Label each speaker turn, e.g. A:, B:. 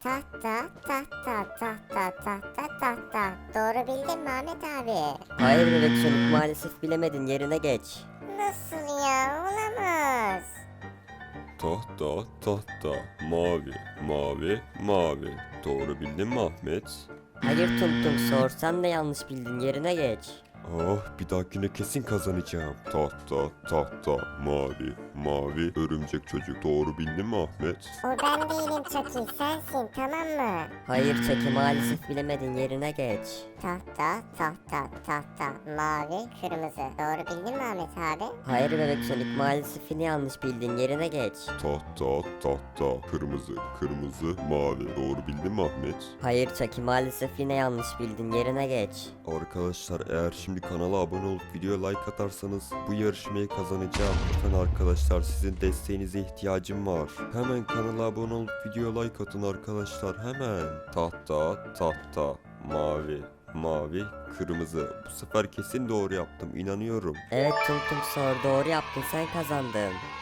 A: Tahta, tahta, tahta, tahta, tahta. Doğru bildin mi Ahmet abi?
B: Hayır bebek Sonic, maalesef bilemedin, yerine geç.
A: Nasıl ya? Olamaz.
C: Tahta, tahta, mavi, mavi, mavi. Doğru bildin mi Ahmet?
B: Hayır Tung Tung, sorsan da yanlış bildin, yerine geç.
C: Ah, bir dahakine kesin kazanacağım. Tahta, tahta, mavi, mavi, örümcek çocuk. Doğru bildin mi Ahmet?
A: O ben değilim Chucky, sensin tamam mı?
B: Hayır Chucky, maalesef bilemedin, yerine geç.
A: Tahta, tahta, tahta, mavi, kırmızı. Doğru bildin mi Ahmet abi?
B: Hayır bebek Sonic, maalesef yine yanlış bildin, yerine geç.
C: Tahta, tahta, kırmızı, kırmızı, mavi. Doğru bildin mi Ahmet?
B: Hayır Chucky, maalesef yine yanlış bildin, yerine geç.
C: Arkadaşlar, eğer şimdi kanala abone olup videoya like atarsanız bu yarışmayı kazanacağım. Lütfen arkadaşlar, sizin desteğinize ihtiyacım var. Hemen kanala abone olup videoya like atın arkadaşlar, hemen. Tahta, tahta, mavi, mavi, kırmızı. Bu sefer kesin doğru yaptım, inanıyorum.
B: Evet Tung Tung, sor, doğru yaptın, sen kazandın.